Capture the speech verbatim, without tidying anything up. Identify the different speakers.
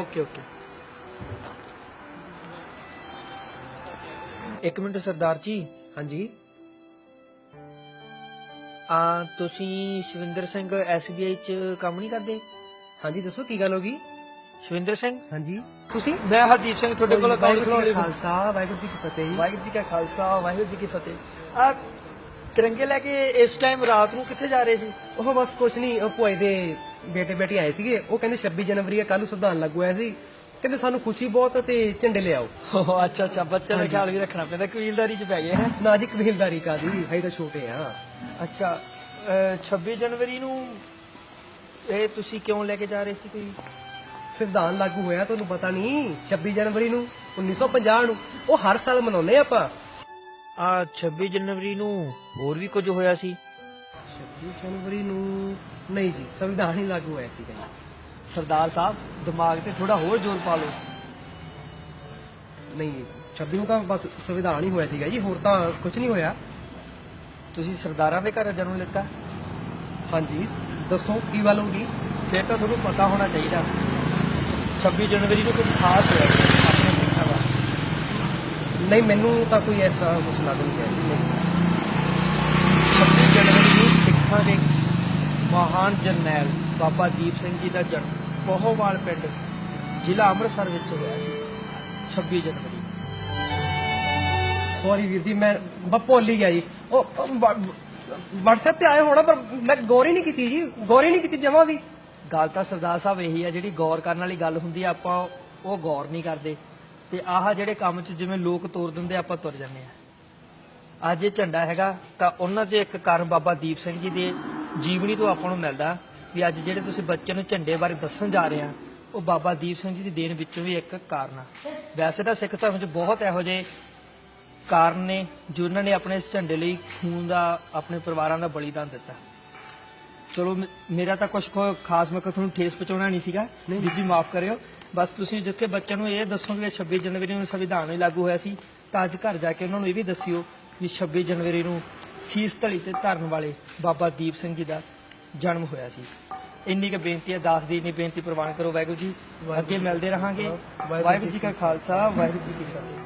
Speaker 1: Okay okay एक minute सरदार जी।
Speaker 2: हाँ जी।
Speaker 1: आ तुसी Shavinder Singh S B I च काम नहीं करते?
Speaker 2: हाँ जी दसो की गल होगी।
Speaker 1: शविंदर सिंह
Speaker 2: हाँ जी तुसी
Speaker 1: मैं हरदीप सिंह थोड़े कोल अकाउंट
Speaker 2: वाहिगुरू जी
Speaker 1: खोलने
Speaker 2: का खालसा वाहिगुरू जी की फतेह जी।
Speaker 1: वाहिगुरू जी का खालसा वाहिगुरू जी की फतेह। आ तिरंगे लेके इस टाइम रात ਨੂੰ ਕਿੱਥੇ ਜਾ ਰਹੇ ਸੀ?
Speaker 2: ਉਹ ਬਸ ਕੁਛ ਨਹੀਂ ਉਹ ਭੂਆ ਦੇ ਬੇਟੇ ਬੇਟੀ ਆਏ ਸੀਗੇ ਉਹ ਕਹਿੰਦੇ ਛੱਬੀ ਜਨਵਰੀ ਹੈ ਕੱਲ ਨੂੰ ਸੰਵਿਧਾਨ ਲਾਗੂ ਹੋਇਆ ਸੀ ਕਹਿੰਦੇ ਸਾਨੂੰ ਖੁਸ਼ੀ ਬਹੁਤ ਤੇ ਝੰਡੇ ਲਿਆਓ।
Speaker 1: ਅੱਛਾ ਅੱਛਾ ਬੱਚਿਆਂ ਦਾ ਖਿਆਲ ਵੀ ਰੱਖਣਾ ਪੈਂਦਾ ਕਬੀਲਦਾਰੀ ਚ ਪੈ ਗਏ ਹੈ।
Speaker 2: ਨਾ ਜੀ ਕਬੀਲਦਾਰੀ ਕਾਦੀ ਹਜੇ ਤਾਂ ਛੋਟੇ ਆ।
Speaker 1: ਅੱਛਾ ਅਹ ਛੱਬੀ ਜਨਵਰੀ ਨੂੰ ਇਹ ਤੁਸੀਂ ਕਿਉਂ ਲੈ ਕੇ ਜਾ ਰਹੇ ਸੀ? ਕੋਈ
Speaker 2: ਸੰਵਿਧਾਨ ਲਾਗੂ ਹੋਇਆ ਤੁਹਾਨੂੰ ਪਤਾ ਨਹੀਂ ਛੱਬੀ ਜਨਵਰੀ ਨੂੰ ਉੱਨੀ ਸੌ ਪੰਜਾਹ ਨੂੰ ਉਹ ਹਰ ਸਾਲ ਮਨਾਉਂਦੇ ਆਪਾਂ।
Speaker 1: ਆ ਛੱਬੀ ਜਨਵਰੀ ਨੂੰ ਹੋਰ ਵੀ ਕੁਝ ਹੋਇਆ ਸੀ?
Speaker 2: ਛੱਬੀ ਜਨਵਰੀ ਨੂੰ ਨਹੀਂ ਜੀ ਸੰਵਿਧਾਨ ਹੀ ਲਾਗੂ ਹੋਇਆ ਸੀਗਾ ਜੀ।
Speaker 1: ਸਰਦਾਰ ਸਾਹਿਬ ਦਿਮਾਗ ਤੇ ਥੋੜਾ ਹੋਰ ਜ਼ੋਰ ਪਾ ਲਓ।
Speaker 2: ਨਹੀਂ ਛੱਬੀ ਨੂੰ ਤਾਂ ਬਸ ਸੰਵਿਧਾਨ ਹੀ ਹੋਇਆ ਸੀਗਾ ਜੀ ਹੋਰ ਤਾਂ ਕੁਝ ਨਹੀਂ ਹੋਇਆ।
Speaker 1: ਤੁਸੀਂ ਸਰਦਾਰਾਂ ਦੇ ਘਰ ਜਨਮ ਲਿੱਤਾ?
Speaker 2: ਹਾਂਜੀ ਦੱਸੋ ਕੀ ਗੱਲ ਹੋਗੀ।
Speaker 1: ਫਿਰ ਤਾਂ ਤੁਹਾਨੂੰ ਪਤਾ ਹੋਣਾ ਚਾਹੀਦਾ ਛੱਬੀ ਜਨਵਰੀ ਨੂੰ ਕੁਝ ਖਾਸ ਹੋਇਆ ਸੀ ਆਪਣੇ ਸਿੱਖਾਂ ਦਾ।
Speaker 2: ਨਹੀਂ ਮੈਨੂੰ ਤਾਂ ਕੋਈ ਐਸਾ ਕੁਛ ਲੱਗ ਨਹੀਂ ਰਿਹਾ ਜੀ ਨਹੀਂ।
Speaker 1: ਛੱਬੀ ਜਨਵਰੀ ਨੂੰ ਸਿੱਖਾਂ ਦੇ ਮਹਾਨ ਜਰਨੈਲ ਬਾਬਾ ਦੀਪ ਸਿੰਘ ਜੀ ਦਾ ਜਨਮ ਪੋਹੋਵਾਲ ਪਿੰਡ ਜ਼ਿਲ੍ਹਾ ਅੰਮ੍ਰਿਤਸਰ ਵਿੱਚ ਹੋਇਆ ਸੀ ਛੱਬੀ ਜਨਵਰੀ।
Speaker 2: ਸੌਰੀ ਵੀਰ ਜੀ ਮੈਂ ਬ ਭੁੱਲ ਹੀ ਗਿਆ ਜੀ। ਉਹ WhatsApp ਤੇ ਆਏ ਹੋਣਾ ਪਰ ਮੈਂ ਗੌਰ ਹੀ ਨਹੀਂ ਕੀਤੀ ਜੀ ਗੌਰ ਹੀ ਨਹੀਂ ਕੀਤੀ ਜਮਾਂ ਵੀ।
Speaker 1: ਗੱਲ ਤਾਂ ਸਰਦਾਰ ਸਾਹਿਬ ਇਹੀ ਆ ਜਿਹੜੀ ਗੌਰ ਕਰਨ ਵਾਲੀ ਗੱਲ ਹੁੰਦੀ ਆ ਆਪਾਂ ਉਹ ਗੌਰ ਨਹੀਂ ਕਰਦੇ ਤੇ ਆਹ ਜਿਹੜੇ ਕੰਮ 'ਚ ਜਿਵੇਂ ਲੋਕ ਤੋਰ ਦਿੰਦੇ ਆਪਾਂ ਤੁਰ ਜਾਂਦੇ ਆ। ਅੱਜ ਇਹ ਝੰਡਾ ਹੈਗਾ ਤਾਂ ਉਹਨਾਂ 'ਚ ਇੱਕ ਕਾਰਨ ਬਾਬਾ ਦੀਪ ਸਿੰਘ ਜੀ ਦੇ ਜੀਵਨੀ ਤੋਂ ਆਪਾਂ ਨੂੰ ਮਿਲਦਾ ਵੀ ਅੱਜ ਜਿਹੜੇ ਤੁਸੀਂ ਬੱਚਿਆਂ ਨੂੰ ਝੰਡੇ ਬਾਰੇ ਦੱਸਣ ਜਾ ਰਹੇ ਆ ਉਹ ਬਾਬਾ ਦੀਪ ਸਿੰਘ ਜੀ ਦੀ ਦੇਣ ਵਿੱਚੋਂ ਵੀ ਇੱਕ ਕਾਰਨ ਆ। ਵੈਸੇ ਤਾਂ ਸਿੱਖ ਧਰਮ 'ਚ ਬਹੁਤ ਇਹੋ ਜਿਹੇ ਕਾਰਨ ਨੇ ਜਿਨ੍ਹਾਂ ਨੇ ਆਪਣੇ ਇਸ ਝੰਡੇ ਲਈ ਖੂਨ ਦਾ ਆਪਣੇ ਪਰਿਵਾਰਾਂ ਦਾ ਬਲੀਦਾਨ ਦਿੱਤਾ। ਚਲੋ ਮ- ਮੇਰਾ ਤਾਂ ਕੁਝ ਖਾਸ ਮੈਂ ਤੁਹਾਨੂੰ ਠੇਸ ਪਹੁੰਚਾਉਣਾ ਨਹੀਂ ਸੀਗਾ ਵੀਰ ਜੀ ਮਾਫ ਕਰਿਓ। ਬਸ ਤੁਸੀਂ ਜਿੱਥੇ ਬੱਚਿਆਂ ਨੂੰ ਇਹ ਦੱਸੋ ਵੀ ਛੱਬੀ ਜਨਵਰੀ ਨੂੰ ਸੰਵਿਧਾਨ ਹੀ ਲਾਗੂ ਹੋਇਆ ਸੀ ਤਾਂ ਅੱਜ ਘਰ ਜਾ ਕੇ ਉਹਨਾਂ ਨੂੰ ਇਹ ਵੀ ਦੱਸਿਓ ਵੀ ਛੱਬੀ ਜਨਵਰੀ ਨੂੰ ਸੀਸ ਧਲੀ ਤੇ ਧਰਨ ਵਾਲੇ ਬਾਬਾ ਦੀਪ ਸਿੰਘ ਜੀ ਦਾ ਜਨਮ ਹੋਇਆ ਸੀ। ਇੰਨੀ ਕੁ ਬੇਨਤੀ ਹੈ ਦਾਸ ਦੀ ਇੰਨੀ ਬੇਨਤੀ ਪ੍ਰਵਾਨ ਕਰੋ। ਵਾਹਿਗੁਰੂ ਜੀ ਅੱਗੇ ਮਿਲਦੇ ਰਹਾਂਗੇ। ਵਾਹਿਗੁਰੂ ਜੀ ਕਾ ਖਾਲਸਾ ਵਾਹਿਗੁਰੂ ਜੀ ਕੀ ਫਤਿਹ।